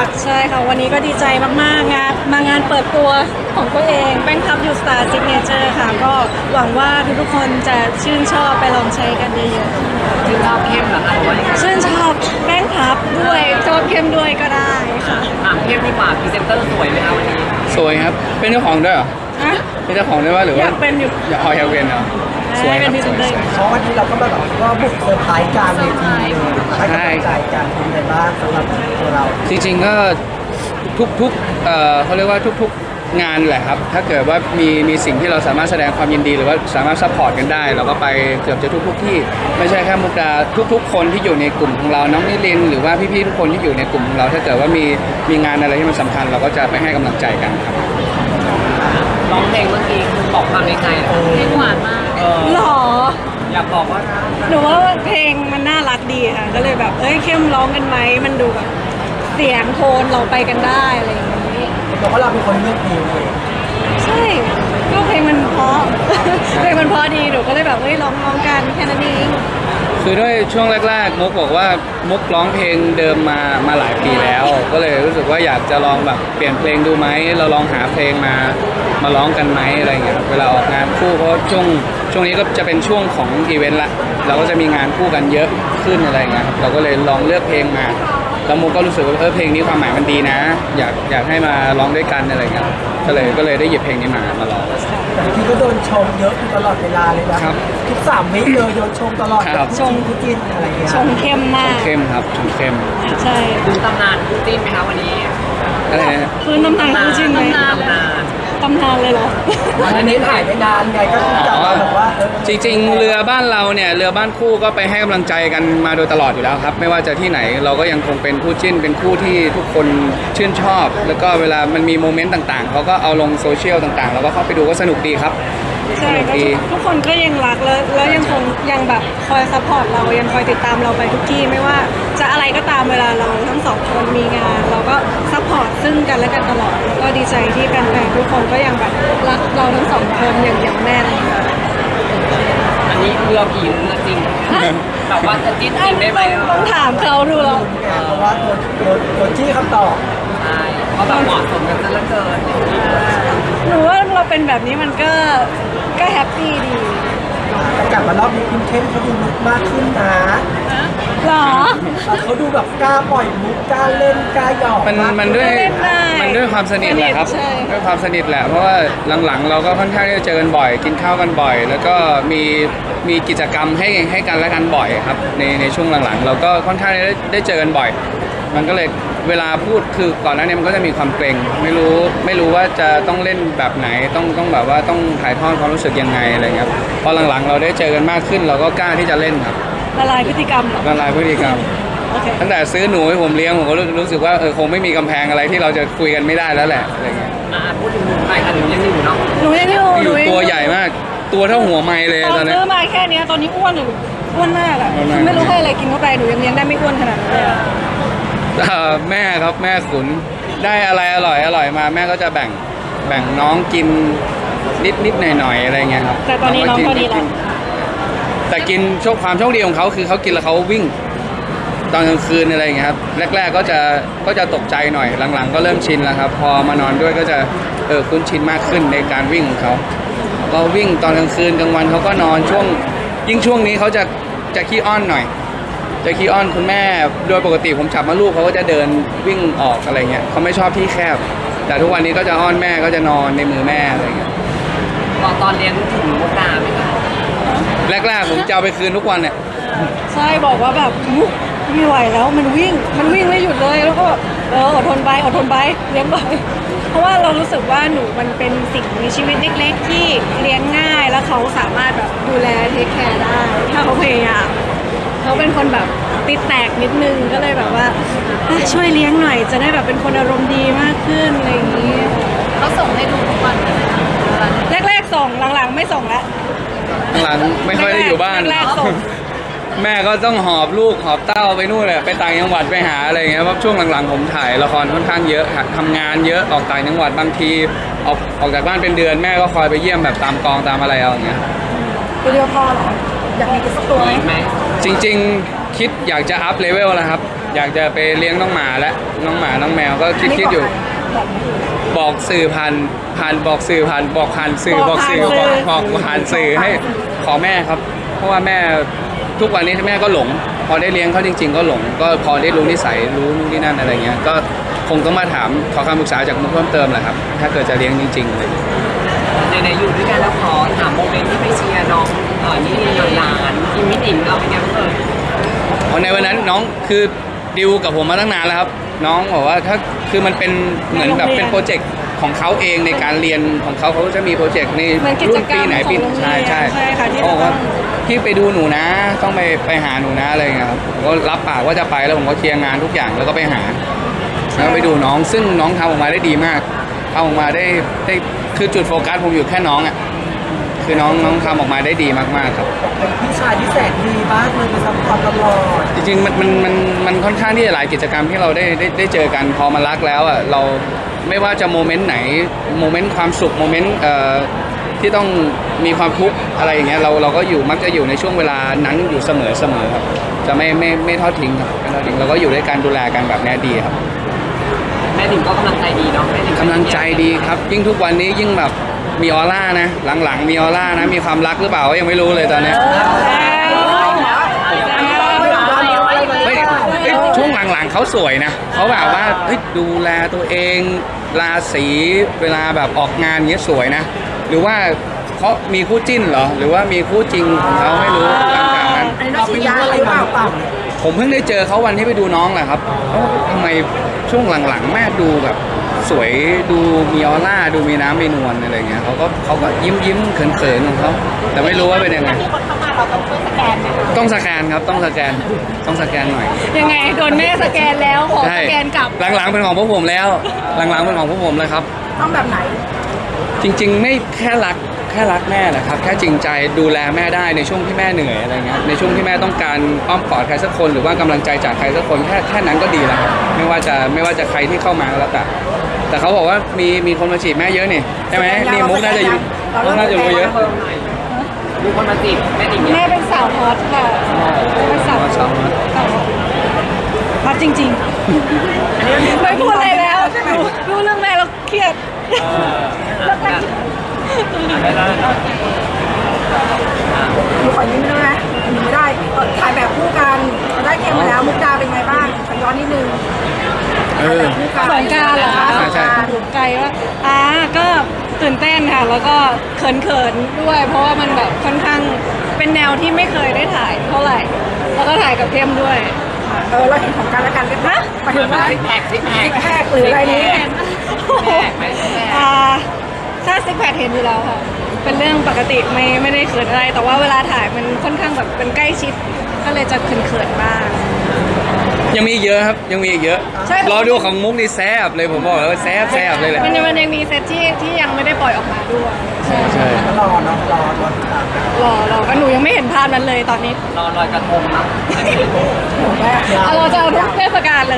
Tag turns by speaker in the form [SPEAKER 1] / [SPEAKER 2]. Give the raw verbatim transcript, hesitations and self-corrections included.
[SPEAKER 1] ากใช่ค่ะวันนี้ก็ดีใจมากๆงานมางานเปิดตัวของตัวเองแป้งพับยูสตาร์ซิกเนเจอร์ค่ะก็หวังว่าทุกๆคนจะชื่นชอบไปลองใช้กันเยอะๆ
[SPEAKER 2] ชื่นชอบเข้มเหรอคะหรือว่ายังไง
[SPEAKER 1] ชื่นชอบแป้งพับด้วยชอบเข้มด้วยก็ได้ค่ะ
[SPEAKER 2] ถามเข้มดีกว่าพรีเซนเตอร์สวยไหมคะวันนี้
[SPEAKER 3] สวยครับเป็นเจ้าของด้วยเหรอ
[SPEAKER 1] อะ
[SPEAKER 3] เป็นเจ้าของด้วยว่าหรือ
[SPEAKER 1] อ
[SPEAKER 3] ว่า
[SPEAKER 1] ยากเป็นอยู่
[SPEAKER 3] อยากเอาอยากเป็นเหรอสวยค
[SPEAKER 1] เป็
[SPEAKER 3] รั
[SPEAKER 1] น
[SPEAKER 3] บ
[SPEAKER 1] พรี
[SPEAKER 3] ส
[SPEAKER 1] เซน
[SPEAKER 3] วย
[SPEAKER 1] เตอร์
[SPEAKER 4] เพราะวันนี้เราก็มาแบบว่าบุกเซอร์ไพรส์กลางเวทีเลยให้กำลังใจกันเป็นไงบ้างสำหรับตัวเรา
[SPEAKER 3] จริงๆก็ทุกๆเอ่อเขาเรียกว่าทุกๆงานแหละครับถ้าเกิดว่ามีมีสิ่งที่เราสามารถแสดงความยินดีหรือว่าสามารถซัพพอร์ตกันได้เราก็ไปเกือบจะทุกๆที่ไม่ใช่แค่มุกดาทุกๆ คนที่อยู่ในกลุ่มของเราน้องนิลินหรือว่าพี่ๆทุกคนที่อยู่ในกลุ่มของเรา ถ้าเกิดว่ามีมีงานอะไรที่มันสำคัญเราก็จะไปให้กำลังใจกันครับ
[SPEAKER 2] ร้องเพลงเมื่อกี้คือบอกความในใจเหรอเพลงหวานมากเออ
[SPEAKER 1] หรอ
[SPEAKER 2] อยากบอกว่า
[SPEAKER 1] หนูว่าเพลงมันน่ารักดีค่ะก็เลยแบบเอ้ยเข้มร้องกันไหมมันดูแบบเสียงโทนเราไปกันได้อะไรอย่างนี้
[SPEAKER 4] บอกว่าเราเป็นคนเลือกเพลงเอง
[SPEAKER 1] ใช่ก็เพลงมันเพราะ เพลงมันเพราะดีหนูก็เลยแบบเฮ้ยร้องร้องกันแค่นั้นเอง
[SPEAKER 3] คือด้วยช่วงแรกๆมุกบอกว่ามุกร้องเพลงเดิมมามาหลายปีแล้ว ก็เลยรู้สึกว่าอยากจะลองแบบเปลี่ยนเพลงดูไหมเราลองหาเพลงมามาร้องกันไหมอะไรเงี้ยครับเวลาออกงานคู่เพราะช่วงช่วงนี้ก็จะเป็นช่วงของอีเวนต์ละเราก็จะมีงานคู่กันเยอะขึ้นอะไรเงี้ยครับเราก็เลยลองเลือกเพลงมาแล้วมุกก็รู้สึกว่าเออเพลงนี้ความหมายมันดีนะ อยากอยากให้มาร้องด้วยกันอะไรเงี้ยก็เลยก็เลยได้หยิบเพลงนี้มามาร้อง
[SPEAKER 4] แต่ที่ก็โดนชมเยอะอยู่ตลอดเวลาเลยนะครับ ทุกสามวิเลยโดนชมตลอด
[SPEAKER 3] ครับ
[SPEAKER 4] ชมทุกจินอะไรเงี้ย
[SPEAKER 1] ชงเข้มมาก
[SPEAKER 3] เข้มครับชมเข้ม
[SPEAKER 1] ใช่
[SPEAKER 2] ดูตำนานคู่จิ้นไหมคะวันนี้
[SPEAKER 3] อะไรนะ
[SPEAKER 1] พื้นตำนานคู่จริงไหม
[SPEAKER 2] ตำนานตำนาน
[SPEAKER 1] ตำนานเลยเหรอ
[SPEAKER 4] อันนี้ถ่ายไม่นานไงก็คือจะมาแบบว่าเออ
[SPEAKER 3] จริงๆ เรือบ้านเราเนี่ยเรือบ้านคู่ก็ไปให้กำลังใจกันมาโดยตลอดอยู่แล้วครับไม่ว่าจะที่ไหนเราก็ยังคงเป็นคู่จิ้นเป็นคู่ที่ทุกคนชื่นชอบ แล้วก็เวลามันมีโมเมนต์ต่างๆเขาก็เอาลงโซเชียลต่างๆเราก็เข้าไปดูก็สนุกดีครับ
[SPEAKER 1] ใช่
[SPEAKER 3] สนุก
[SPEAKER 1] ก็
[SPEAKER 3] ดี
[SPEAKER 1] ทุกคนก็ยังรักแล้วแล้วยังคงยังแบบคอยซัพพอร์ตเรายังคอยติดตามเราไปทุกที่ไม่ว่าจะอะไรก็ตามเวลาเราทั้งสองคนมีงาน เราก็ซัพพอร์ตซึ่งกันและกันตลอดแล้วก็ดีใจที่แฟนๆทุกคนก็ยังแบบรักเราทั้งสองคนอย่างอย่างแน่นค่ะ
[SPEAKER 2] อันนี้เรือผีเรือจริงแต่ว่าจะจิ้นจริงได้ไหม
[SPEAKER 1] ต้องถามเขาดูแล้ว
[SPEAKER 4] เพราะว่าโดนโดนโดนจี้คำตอบ
[SPEAKER 2] ใช่เพราะแบบเหมาะสมกันซะเหลือเกิน
[SPEAKER 1] หนูว่าเราเป็นแบบนี้มันก็ก็แฮปปี้ดี
[SPEAKER 4] แต่กลับมารอบนี้คุณเข้มเขาดูลุกมากขึ้นนะ
[SPEAKER 1] หรอ
[SPEAKER 4] เขาดูแบบกล้าปล่อยมุกกล้าเล่นกล้าหยอก
[SPEAKER 3] มันมันด้วย
[SPEAKER 1] เล่นได้
[SPEAKER 3] มันด้วยความสนิทแหละครับ
[SPEAKER 1] ใช่
[SPEAKER 3] ด้วยความสนิทแหละเพราะว่าหลังๆ เราก็ค่อนข้างที่จะเจอกันบ่อย กินข้าวกันบ่อย แล้วก็มีมีกิจกรรมให้ให้กันและกันบ่อยครับในในช่วงหลังๆ เราก็ค่อนข้างได้ได้เจอกันบ่อย มันก็เลยเวลาพูดคือก่อนหน้านี้มันก็จะมีความเกรงไม่รู้ไม่รู้ว่าจะต้องเล่นแบบไหนต้องต้องแบบว่าต้องถ่ายทอดความรู้สึกยังไงอะไรเงี้ยครับพอหลังๆ เราได้เจอกันมากขึ้น เราก็กล้าที่จะเล่นครับ
[SPEAKER 1] ละลายพฤติกรรมเหรอ
[SPEAKER 3] ละลายพฤติกรรม
[SPEAKER 1] โอเค
[SPEAKER 3] ตั้งแต่ซื้อหนูให้ผมเลี้ยงผมก็รู้รู้สึกว่าเออคงไม่มีกำแพงอะไรที่เราจะคุยกันไม่ได้แล้วแหละอะไรเงี้ย
[SPEAKER 2] อ่ะพูดถึงหนุ่มไปค่ะหนูยังอยู่เนาะ
[SPEAKER 1] หนูยังอยู่
[SPEAKER 3] อ
[SPEAKER 1] หนู
[SPEAKER 3] ยู่
[SPEAKER 1] ยัง
[SPEAKER 3] ตัวใหญ่มาก ตัวเท่าหัวไม้เลย
[SPEAKER 1] ตอน
[SPEAKER 3] ตอนนี้
[SPEAKER 1] ซื้อมาแค่เนี้ยตอนนี้อ้วนหรืออ้วนมากอะ
[SPEAKER 3] อ้วนมาก
[SPEAKER 1] ไม่รู้ให้อะไรกินเข้าไปหนูยังเลี้ยงได้ไม่อ้วนขนาดนั้นเลยอะ
[SPEAKER 3] เอ่อแม่ครับแม่ขุนได้อะไรอร่อยอร่อยมาแม่ก็จะแบ่งแบ่งน้องกินนิดนิดหน่อยหน่อยอะไรเงี้ยครับ
[SPEAKER 1] แต่ตอนนี้น้องก็ดีแล้ว
[SPEAKER 3] แต่กินโชคความโชคดีของเขาคือเขากินแล้วเขาวิ่ง ตอนกลางคืนอะไรเงี้ยครับแรก ๆก็จะก็จะตกใจหน่อยหลังๆ ก็เริ่มชินแล้วครับ พอมานอนด้วยก็จะเออคุ้นชินมากขึ้นในการวิ่งของเขาก็วิ่งตอนกลางคืนกลางวันเขาก็นอนช่วงยิ่งช่วงนี้เขาจะจะขี้อ้อนหน่อย จะขี้อ้อนคุณแม่โดยปกติผมจับมาลูกเขาก็จะเดินวิ่งออกอะไรเงี้ยเขาไม่ชอบที่แคบ แต่ทุกวันนี้ก็จะอ้อนแม่ก็จะนอนในมือแม่อะไรเงี้ย
[SPEAKER 2] ตอนตอนเรียนถึงมุกดาไหมคะ
[SPEAKER 3] แรกๆผมจะเอาไปคืนทุกวันเนี่ย
[SPEAKER 1] ใช่บอกว่าแบบอุ๊ยไม่ไหวแล้วมันวิ่งมันวิ่งไม่หยุดเลยแล้วก็แบบเอออดทนไปอดทนไปเลี้ยงไปเพราะว่าเรารู้สึกว่าหนูมันเป็นสิ่งมีชีวิตเล็ก ๆ ที่เลี้ยงง่ายแล้วเขาสามารถแบบดูแลเทคแคร์ได้ถ้าเขาพยายามเขาเป็นคนแบบติดแตกนิดนึงก็เลยแบบว่าอ่ะช่วยเลี้ยงหน่อยจะได้แบบเป็นคนอารมณ์ดีมากขึ้นอะไรอย่างนี้
[SPEAKER 5] เขาส่งให้ดูทุกวันเลยนะคะ
[SPEAKER 1] แรกๆส่งหลังๆไม่ส่งแล้ว
[SPEAKER 3] หลังไม่ค่อยได้อยู่บ้าน
[SPEAKER 1] แรกๆส่ง
[SPEAKER 3] แม่ก็ต้องหอบลูกหอบเต้าไปนู่นเลยไปต่างจังหวัดไปหาอะไรเงี้ยเพราะช่วงหลังๆผมถ่ายละครค่อนข้างเยอะค่ะทำงานเยอะออกต่างจังหวัดบางทีออกออกจากบ้านเป็นเดือนแม่ก็คอยไปเยี่ยมแบบตามกองตามอะไรเอาอย่างเงี้ย
[SPEAKER 1] ตัวเดียวพอเหรออยากมีอีกสักตัวไหม
[SPEAKER 2] อีกไหม
[SPEAKER 3] จริงๆคิดอยากจะอัพเลเวลแล้วครับอยากจะไปเลี้ยงน้องหมาและน้องหมาน้องแมวก็คิดคิดอยู่ บอกสื่อผ่านผ่านบอกสื่อผ่านบอกผ่านสื่อบอกสื่อบอกบอกผ่านสื่อให้ขอแม่ครับ เพราะว่าแม่ทุกวันนี้แม่ก็หลง พอได้เลี้ยงเขาจริง ๆ ก็หลง ก็พอได้รู้นิสัยรู้นู่นนี่นั่นอะไรเงี้ยก็คงต้องมาถามขอคำปรึกษาจากมุกเพิ่มเติมแหละครับถ้าเกิดจะเลี้ยงจริงๆเลย
[SPEAKER 2] ในๆอยู่ด้วยกันแล้วขอถามโมเมนต์ที่ไปเชียร์น้องเออนี่หลานๆที่มิติมเราเป็นไงบ้างเอ่ย
[SPEAKER 3] เพราะในวันนั้นน้องคือดิวกับผมมาตั้งนานแล้วครับ น้องบอกว่าถ้าคือมันเป็นเหมือนแบบเป็นโปรเจกต์ของเขาเองในการเรียนของเขาเขาจะมีโปรเจกต์ใน
[SPEAKER 1] เหมือนกิจ
[SPEAKER 3] รุ่น
[SPEAKER 1] กรร
[SPEAKER 3] ปี
[SPEAKER 1] ม
[SPEAKER 3] ไหน
[SPEAKER 1] ของ
[SPEAKER 3] ปี
[SPEAKER 1] โรงเรียน
[SPEAKER 3] ใช่ใช่
[SPEAKER 1] ใช่ค่ะที่
[SPEAKER 3] เขาบอกว่า
[SPEAKER 1] จะต้อง
[SPEAKER 3] พี่ไปดูหนูนะ ต้องไปไปหาหนูนะอะไรอย่างเงี้ยครับผมก็รับปากว่าจะไปแล้วผมก็เคลียร์งานทุกอย่างแล้วก็ไปหาแล้วก็ไปดูน้องซึ่งน้องทำออกมาได้ดีมากทำออกมาได้ได้คือจุดโฟกัสผมอยู่แค่น้องอ่ะคือน้องน้องทำออกมาได้ดีมากๆครับ
[SPEAKER 4] เป็นพี่ชายที่แสนดีมากเลยไปซัพพอร์ตตลอด
[SPEAKER 3] จริงๆมันมันมันมันค่อนข้างที่จะหลายกิจกรรมที่เราได้ได้ได้เจอกันพอมารักแล้วอ่ะเราไม่ว่าจะโมเมนต์ไหนโมเมนต์ความสุขโมเมนต์เอ่อที่ต้องมีความทุกข์อะไรอย่างเงี้ยเราเราก็อยู่มักจะอยู่ในช่วงเวลานั้นอยู่เสมอเสมอครับจะไม่ไม่ไม่ทอดทิ้งครับไม่ทอดทิ้งเราก็อยู่ด้วยกันดูแลกันแบบนี้ดีครับ
[SPEAKER 2] แม่หนิงก็กำลังใจดีเนาะแม่หนิง
[SPEAKER 3] กำลังใจดีครับ ยิ่งทุกวันนี้ยิ่งแบบมีออร่านะ หลังๆ มีออร่านะมีความรักหรือเปล่าก็ยังไม่รู้เลยตอนเนี้ย ไม่เอ้ยช่วงหลังๆเขาสวยนะเขาแบบว่าเฮ้ยดูแลตัวเองราศีเวลาแบบออกงานเงี้ยสวยนะ หรือว่าเขามีคู่จิ้นเหรอ หรือว่ามีคู่จริงของเขาไม่รู้หลังจากนั้น
[SPEAKER 4] อันนี้เราไปย้ายอะไรมาเปล่า
[SPEAKER 3] ผมเพิ่งได้เจอเขาวันที่ไปดูน้องแหละครับเอ้าทำไมช่วงหลังๆแม่ดูแบบสวยดูมีออร่าดูมีน้ำมีนวลอะไรเงี้ยเขาก็เขาก็ยิ้มยิ้มๆเขินๆของเขาแต่ไม่รู้ว่าเป็นยังไง
[SPEAKER 5] ที่คนเข้ามาเราต้องช่วยสแกนไหมคะ
[SPEAKER 3] ต้องสแกนครับต้องสแกนต้องสแกนหน่อย
[SPEAKER 1] ยังไงโดนแม่สแกนแล้วขอสแกนกลับ
[SPEAKER 3] หลังๆเป็นของพวกผมแล้ว หลังๆเป็นของพวกผมเลยครับ
[SPEAKER 4] ต้องแบบไหน
[SPEAKER 3] จริงๆไม่แค่รักแค่รักแม่แหละครับแค่จริงใจดูแลแม่ได้ในช่วงที่แม่เหนื่อยอะไรเงี้ยในช่วงที่แม่ต้องการอ้อมกอดใครสักคนหรือว่ากำลังใจจากใครสักคนแค่แค่นั้นก็ดีแล้วครับไม่ว่าจะไม่ว่าจะใครที่เข้ามาก็แล้วแต่แต่เขาบอกว่ามีมีคนมาจีบแม่เยอะนี่ใช่ไหมนี่มุกน่าจะอยู่มุกน่าจะรู้เยอะ
[SPEAKER 2] เพิ่มหน่อยมีคนมาจีบแม่หนิง
[SPEAKER 1] แม่เป็นสาวฮอตค่ะแม่เป็นสาวฮอต
[SPEAKER 3] สาวฮอต
[SPEAKER 1] สาวฮอตฮอตจริงๆไม่พูดอะไรแล้วดูดูเรื่องแม่แล้วเครียด
[SPEAKER 6] หนูขอยิ้มได้ไหมหนูไม่ได้ถ่ายแบบคู่กันได้เกมมาแล้วมุกดาเป็นไงบ้างขอย้อนนิดนึง
[SPEAKER 3] เออ
[SPEAKER 6] คู่
[SPEAKER 1] สงกรานต์เหรอคะ
[SPEAKER 3] ใช่ใช่
[SPEAKER 1] ถูกใจว่าอ่าก็ตื่นเต้นค่ะ แล้วก็เขินๆด้วย เพราะว่ามันแบบค่อนข้างเป็นแนวที่ไม่เคยได้ถ่ายเท่าไหร่ แล้วก็ถ่ายกับเข้มด้วย
[SPEAKER 6] เออเราเห็นของกันและกันได้ปะหมายถึงว่า
[SPEAKER 2] ซิกแพคซิกแพค
[SPEAKER 6] ซิกแพคหรืออะไรนี้
[SPEAKER 2] แพคไหมซิกแพค
[SPEAKER 1] อ่าถ้าซิกแพคเห็นอยู่แล้วค่ะ เป็นเรื่องปกติไม่ไม่ได้เขินอะไร แต่ว่าเวลาถ่ายมันค่อนข้างแบบเป็นใกล้ชิด ก็เลยจะเขินๆบ้าง
[SPEAKER 3] ยังมีอีกเยอะครับยังมีอีกเยอะ
[SPEAKER 1] ใช่
[SPEAKER 3] รอดูของมุกนี่แซบเลยผมบอกเลยว่าแซบแซบเลยแหละ
[SPEAKER 1] มันยังมันยังมีเซตที่ที่ยังไม่ได้ปล่อยออกมาด้วยใช่
[SPEAKER 3] ใช่
[SPEAKER 4] ก็รอเนาะรอรอติดตามกัน
[SPEAKER 1] รอรอก็หนูยังไม่เห็นภาพนั้นเลยตอนนี้
[SPEAKER 2] รอลอยกระทงนะ
[SPEAKER 1] เอาเราจะเอาทุกเทศกาลเลย